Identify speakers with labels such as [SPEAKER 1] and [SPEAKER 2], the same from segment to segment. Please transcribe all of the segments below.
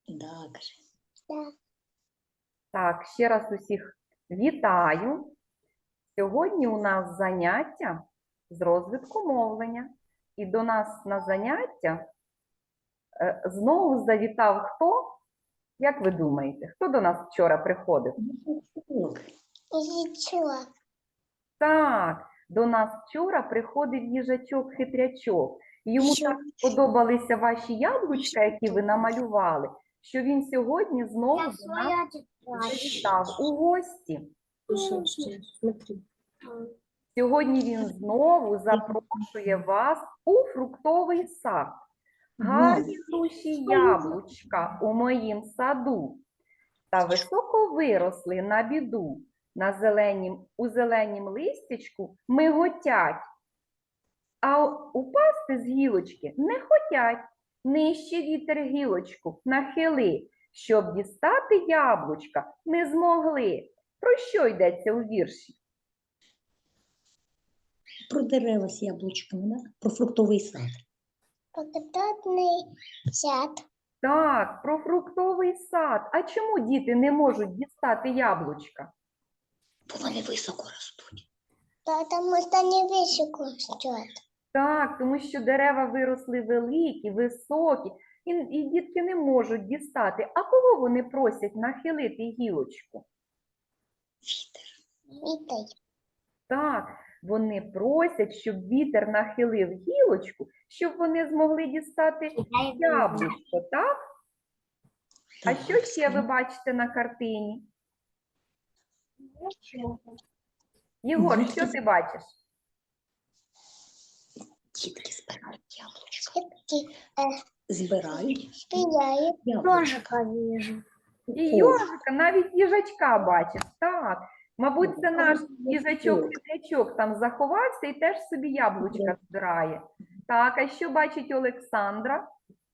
[SPEAKER 1] Да, каже.
[SPEAKER 2] Да.
[SPEAKER 3] Так, ще раз усіх вітаю. Сьогодні у нас заняття з розвитку мовлення. І до нас на заняття знову завітав хто? Як ви думаєте, хто до нас вчора приходив?
[SPEAKER 2] Ничего.
[SPEAKER 3] Так, до нас вчора приходив їжачок-хитрячок. Йому
[SPEAKER 2] Що?
[SPEAKER 3] так сподобалися ваші яблучка, які ви намалювали, що він сьогодні знову до нас завітав у гості. Сьогодні він знову запрошує вас у фруктовий сад. Гарні груші яблучка у моїм саду, та високо виросли на біду. У зеленім листячку миготять, а упасти з гілочки не хотять. Нижче вітер гілочку нахили, щоб дістати яблучка не змогли. Про що йдеться у вірші?
[SPEAKER 1] Про дерева з яблучками, да? Про фруктовий сад.
[SPEAKER 2] Подготовленный сад.
[SPEAKER 3] Так, про фруктовий сад. А чому діти не можуть дістати яблучка?
[SPEAKER 1] Бо вони високо ростуть.
[SPEAKER 2] Потому что не высоко растет.
[SPEAKER 3] Так, тому що дерева виросли великі, високі, і дітки не можуть дістати. А кого вони просять нахилити гілочку?
[SPEAKER 2] Витой.
[SPEAKER 3] Так, вони просять, щоб вітер нахилив гілочку, щоб вони змогли дістати яблучко, так? А що ще ви бачите на картині? Єгор, що ти бачиш?
[SPEAKER 1] Дітки збирають яблучко.
[SPEAKER 2] Детки
[SPEAKER 1] Збирають
[SPEAKER 2] стреляют.
[SPEAKER 1] яблучко.
[SPEAKER 2] Ежика вижу.
[SPEAKER 3] І йожика, навіть їжачка бачиш, так. Мабуть, це наш їжачок-хитрячок там заховався і теж собі яблучка збирає. Так, а що бачить Олександра?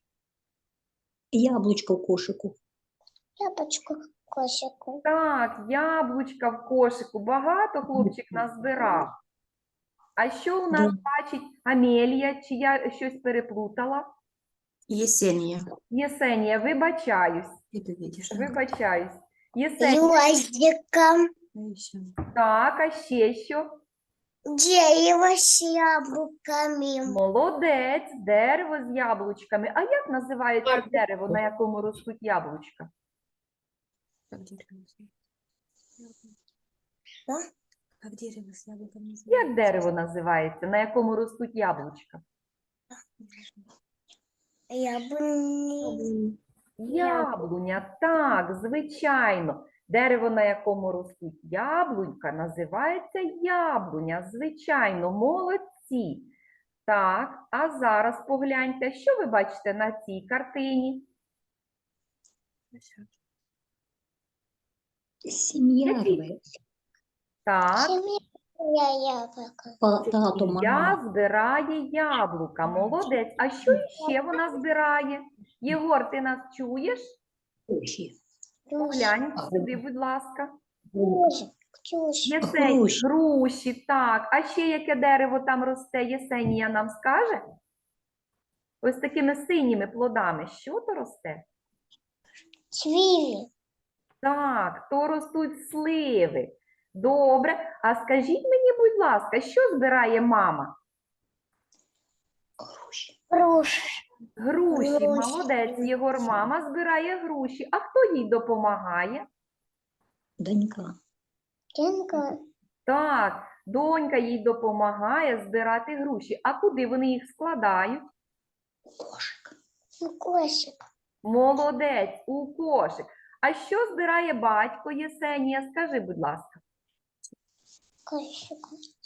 [SPEAKER 1] Яблучко в кошику.
[SPEAKER 2] Яблочко кошику.
[SPEAKER 3] Так, яблучка в кошику. Багато хлопчик назбирав. А що у нас бачить Амелія? Чи я щось переплутала?
[SPEAKER 4] Есения.
[SPEAKER 3] Єсенія, вибачаюсь.
[SPEAKER 4] И ты видишь. да?
[SPEAKER 3] Вибачаюсь. Єсенія,
[SPEAKER 2] Гвоздиком.
[SPEAKER 4] А еще.
[SPEAKER 3] так, а ще що?
[SPEAKER 2] Дерево с яблоками.
[SPEAKER 3] Молодець, дерево з яблучками. А як називається дерево, на якому ростуть яблучка?
[SPEAKER 4] Как дерево с яблоком.
[SPEAKER 2] Да?
[SPEAKER 4] Как дерево с яблоком называется?
[SPEAKER 3] Як дерево називається, на якому ростуть яблучка?
[SPEAKER 2] Яблони.
[SPEAKER 3] Яблуня, так, звичайно. Дерево, на якому ростуть яблунька, називається яблуня. Звичайно, молодці. Так, а зараз погляньте, що ви бачите на цій картині?
[SPEAKER 1] Сім'я
[SPEAKER 3] Які?
[SPEAKER 1] рве.
[SPEAKER 3] Так,
[SPEAKER 2] Семья яблоко.
[SPEAKER 1] Тато,
[SPEAKER 3] я
[SPEAKER 1] мама.
[SPEAKER 3] збирає яблука. Молодець. А що ще вона збирає? Єгор, ти нас чуєш?
[SPEAKER 1] Груші.
[SPEAKER 3] Поглянь сюди, будь ласка.
[SPEAKER 2] Ксюша.
[SPEAKER 3] Єсень,
[SPEAKER 1] Груші.
[SPEAKER 3] груші, так. А ще яке дерево там росте, Єсенія нам скаже? Ось такими синіми плодами. Що то росте?
[SPEAKER 2] Свили.
[SPEAKER 3] Так, то ростуть сливи. Добре. А скажіть мені, будь ласка, що збирає мама?
[SPEAKER 1] Груші.
[SPEAKER 2] Груш.
[SPEAKER 3] Груші,
[SPEAKER 2] Груші.
[SPEAKER 3] молодець, Єгор, мама збирає груші. А хто їй допомагає?
[SPEAKER 1] Донька.
[SPEAKER 2] Тенка.
[SPEAKER 3] Так, донька їй допомагає збирати груші. А куди вони їх складають?
[SPEAKER 1] Кошик.
[SPEAKER 2] Кошик.
[SPEAKER 3] Молодець, у кошик. А що збирає батько Єсенія? Скажи, будь ласка.
[SPEAKER 2] Кошик.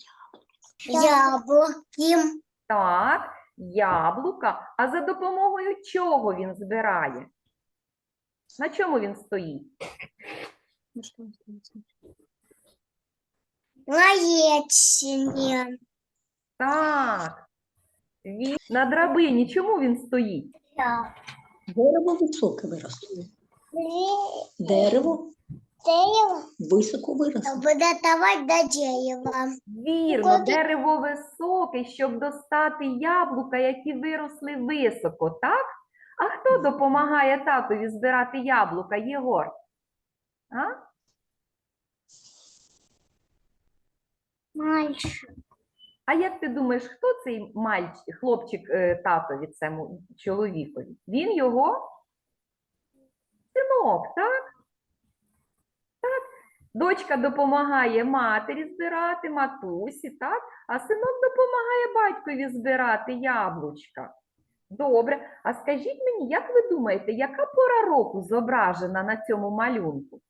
[SPEAKER 2] Яблоки.
[SPEAKER 3] Так, яблука. А за допомогою чого він збирає? На чому він стоїть?
[SPEAKER 4] Ну что он стоит?
[SPEAKER 2] Лаечные.
[SPEAKER 3] Так, він на драбині. Чому він стоїть?
[SPEAKER 1] Дерево високе виросло. Дерево
[SPEAKER 2] Дерево.
[SPEAKER 1] високо виросло.
[SPEAKER 2] Чтобы дотовать до дерева.
[SPEAKER 3] Вірно, дерево високе, щоб достати яблука, які виросли високо, так? А хто допомагає татові збирати яблука, Єгор? А?
[SPEAKER 2] Мальчик.
[SPEAKER 3] А як ти думаєш, хто цей хлопчик татові, цьому чоловікові? Він його синок, так? Дочка допомагає матері збирати, матусі, так? А синок допомагає батькові збирати яблучка. Добре. А скажіть мені, як ви думаєте, яка пора року зображена на цьому малюнку?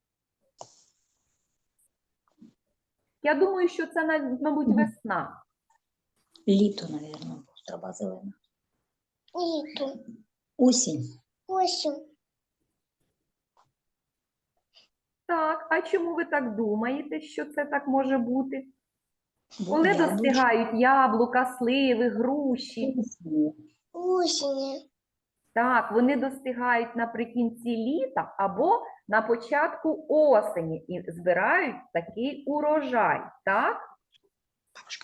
[SPEAKER 3] Я думаю, що це, мабуть, весна.
[SPEAKER 1] Літо, мабуть, трава зелена.
[SPEAKER 2] Лето.
[SPEAKER 1] Осінь.
[SPEAKER 2] Осень.
[SPEAKER 3] Так, а чому ви так думаєте, що це так може бути?
[SPEAKER 1] Бо
[SPEAKER 3] Коли
[SPEAKER 1] яблучко.
[SPEAKER 3] достигають яблука, сливи, груші?
[SPEAKER 2] Осень.
[SPEAKER 3] Так, вони достигають наприкінці літа або на початку осені і збирають такий урожай, так?
[SPEAKER 1] Бабушка,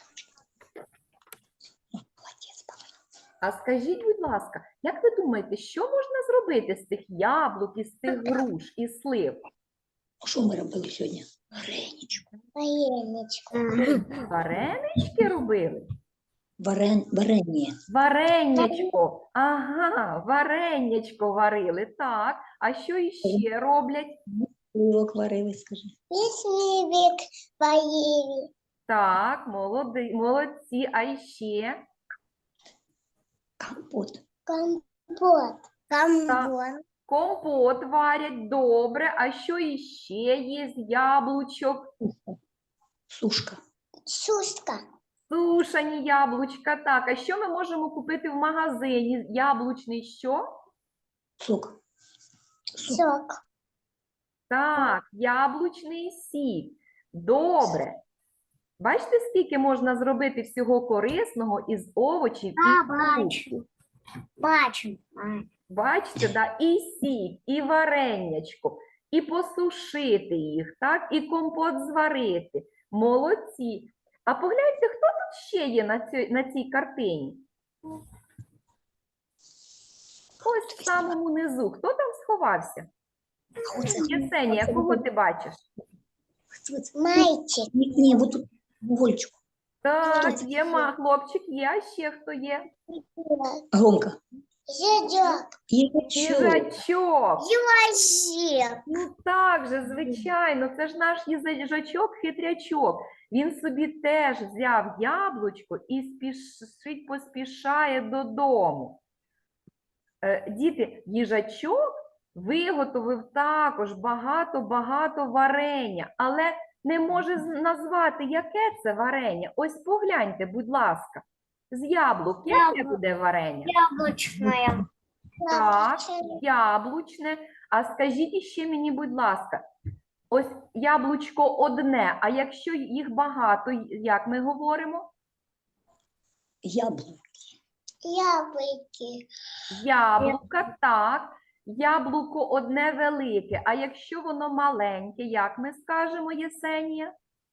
[SPEAKER 1] молодець, папа.
[SPEAKER 3] А скажіть, будь ласка, як ви думаєте, що можна зробити з тих яблук, із цих груш, і слив?
[SPEAKER 1] Що ми робили сьогодні? Вареничку.
[SPEAKER 2] Вареничку.
[SPEAKER 3] Варенички робили?
[SPEAKER 1] Варення.
[SPEAKER 3] Варенячко. Ага, варенячко варили, так. А що іще роблять?
[SPEAKER 1] Сливок варили, скажи.
[SPEAKER 2] Сливок поели.
[SPEAKER 3] Так, молодці. А іще?
[SPEAKER 1] Компот.
[SPEAKER 2] Компот. Компот.
[SPEAKER 3] Компот варять, добре. А що іще є з яблучок?
[SPEAKER 1] Сушка.
[SPEAKER 2] Сушка.
[SPEAKER 3] Сушені яблучка, так. А що ми можемо купити в магазині? Яблучний що?
[SPEAKER 1] Сок.
[SPEAKER 2] Сок.
[SPEAKER 3] Так, яблучний сік. Добре. Бачите, скільки можна зробити всього корисного із овочів і фруктів?
[SPEAKER 2] Бачу.
[SPEAKER 3] Бачите, да? І сік, і варенячко, і посушити їх, так? І компот зварити. Молодці. А погляньте, хто тут ще є на цій картині? Ось в самому низу. Хто там сховався? Єсенія, кого ти бачиш?
[SPEAKER 2] Мальчик.
[SPEAKER 1] Ні, вот тут вугольчику.
[SPEAKER 3] Так, є хлопчик, є, а ще хто є?
[SPEAKER 1] Громко.
[SPEAKER 2] Зайдет.
[SPEAKER 3] Їжачок.
[SPEAKER 2] Юзик.
[SPEAKER 3] Ну так же, звичайно, це ж наш їжачок-хитрячок. Він собі теж взяв яблучко і поспішає додому. Діти, їжачок виготовив також багато-багато варення, але не може назвати, яке це варення. Ось погляньте, будь ласка, з яблук яке буде варення?
[SPEAKER 2] Яблочная.
[SPEAKER 3] Так, яблучне. А скажіть іще мені, будь ласка, ось яблучко одне, а якщо їх багато, як ми говоримо?
[SPEAKER 1] Яблуко.
[SPEAKER 2] Яблоки.
[SPEAKER 3] Яблука, так. Яблуко одне велике, а якщо воно маленьке, як ми скажемо, Єсенія?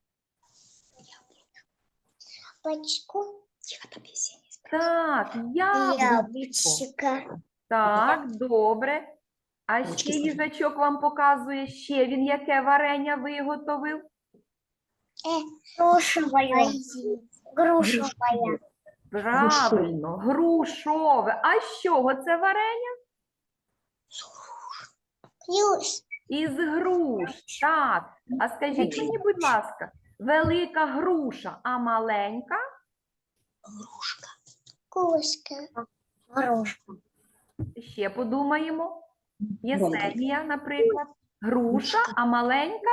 [SPEAKER 2] Пачку.
[SPEAKER 1] Тихо, там Єсенія.
[SPEAKER 3] Так, яблучко.
[SPEAKER 2] Яблочко.
[SPEAKER 3] Так, добре. А
[SPEAKER 1] Ручки
[SPEAKER 3] ще
[SPEAKER 1] сложні.
[SPEAKER 3] їжачок вам показує, ще він яке варення виготовив?
[SPEAKER 2] Грушевая. Грушевая.
[SPEAKER 3] Правильно, грушове. А з чого це варення?
[SPEAKER 2] Плюс.
[SPEAKER 3] Із груш. Так. А скажіть мені, будь ласка, велика груша, а маленька?
[SPEAKER 1] Грушка.
[SPEAKER 2] Кошка. Грушка.
[SPEAKER 3] Ще подумаємо. Єсенія, наприклад. Груша, а маленька?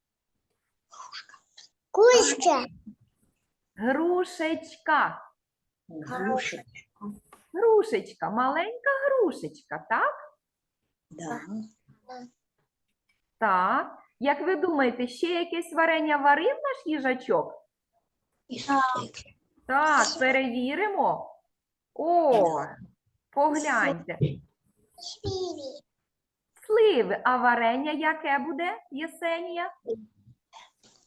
[SPEAKER 2] Кошка.
[SPEAKER 3] Грушечка.
[SPEAKER 1] Груша.
[SPEAKER 3] Грушечка, маленька грушечка, так?
[SPEAKER 1] Да.
[SPEAKER 3] Так. Як ви думаєте, ще якесь варення варив наш їжачок?
[SPEAKER 1] І суслик.
[SPEAKER 3] Так, перевіримо. О, погляньте.
[SPEAKER 2] Сливи.
[SPEAKER 3] Сливи, а варення яке буде, Єсенія?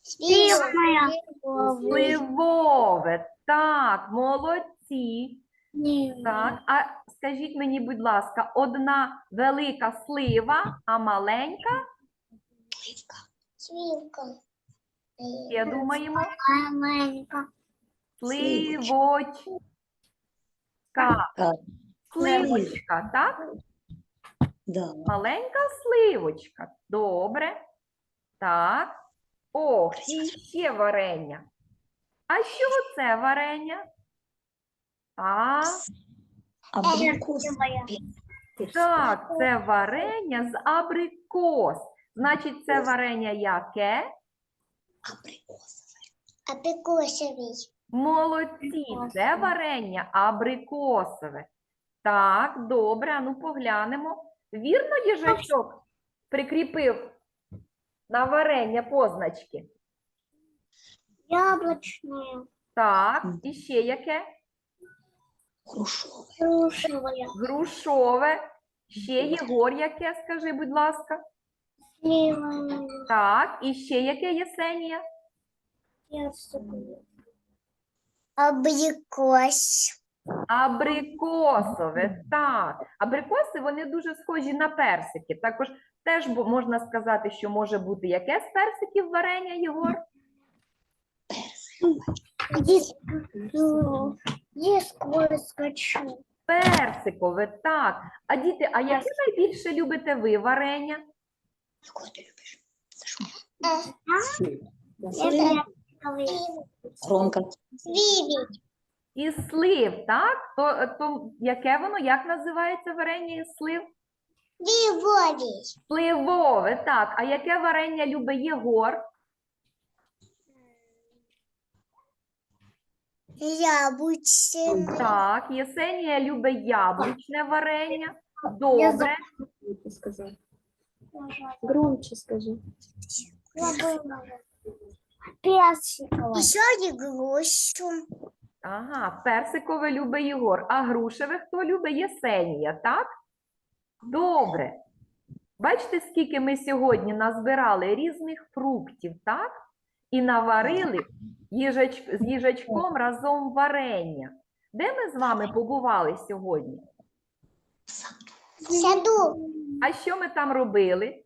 [SPEAKER 2] Сливовая.
[SPEAKER 3] Сливове. Так, молодці. Так, а скажіть мені, будь ласка, одна велика слива, а маленька,
[SPEAKER 2] Свинка.
[SPEAKER 3] я думаємо,
[SPEAKER 2] Маленька.
[SPEAKER 3] сливочка.
[SPEAKER 1] Так,
[SPEAKER 3] Сливочка, так?
[SPEAKER 1] да.
[SPEAKER 3] Маленька сливочка. Добре. Так. О, і ще варення. А що це варення?
[SPEAKER 1] Абрикос.
[SPEAKER 3] Так, це варення з абрикос. Значить, це варення яке?
[SPEAKER 1] Абрикосове.
[SPEAKER 2] Апельсиновый.
[SPEAKER 3] Молодці, це варення абрикосове. Так, добре, а ну поглянемо. Вірно, їжачок прикріпив на варення позначки?
[SPEAKER 2] Яблочная.
[SPEAKER 3] Так, і ще яке?
[SPEAKER 1] Грушове.
[SPEAKER 2] Грушевая.
[SPEAKER 3] Грушове. Ще Єгор яке, скажи, будь ласка.
[SPEAKER 2] Сливовая.
[SPEAKER 3] Так, і ще яке, Єсенія?
[SPEAKER 2] Абрикос.
[SPEAKER 3] Абрикосове, так. Абрикоси, вони дуже схожі на персики. Також теж можна сказати, що може бути яке з персиків варення, Єгор?
[SPEAKER 2] Скачу.
[SPEAKER 3] Персикове, так. А діти, а яке найбільше любите ви варення?
[SPEAKER 1] Якого ти любиш? Сашу? Громко.
[SPEAKER 2] Свивить.
[SPEAKER 3] Із слив, так? То яке воно, як називається варення із слив?
[SPEAKER 2] Виводить.
[SPEAKER 3] Сливове, так. А яке варення любить Єгор?
[SPEAKER 2] Яблочный.
[SPEAKER 3] Так, Єсенія любить яблучне варення. Добре.
[SPEAKER 4] Громче скажи.
[SPEAKER 2] Персиковый. Еще и грушу.
[SPEAKER 3] Ага, персикове любить Єгор, а грушеве хто любить? Єсенія, так? Добре. Бачите, скільки ми сьогодні назбирали різних фруктів, так? І наварили з їжачком разом варення. Де ми з вами побували сьогодні?
[SPEAKER 2] В саду.
[SPEAKER 3] А що ми там робили?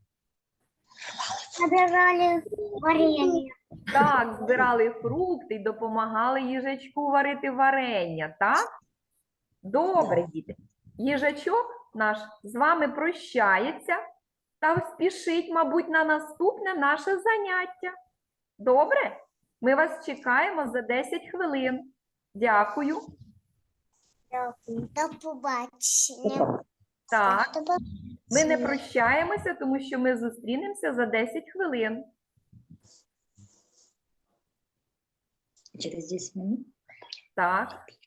[SPEAKER 2] Собирали варенье.
[SPEAKER 3] Так, збирали фрукти і допомагали їжачку варити варення, так? Добре, діти. Їжачок наш з вами прощається та спішить, мабуть, на наступне наше заняття. Добре? Ми вас чекаємо за 10 хвилин. Дякую.
[SPEAKER 2] До побачення.
[SPEAKER 3] Так,
[SPEAKER 2] До
[SPEAKER 3] ми не
[SPEAKER 2] побачення.
[SPEAKER 3] прощаємося, тому що ми зустрінемося за 10 хвилин.
[SPEAKER 1] Через 10 минут.
[SPEAKER 3] Так.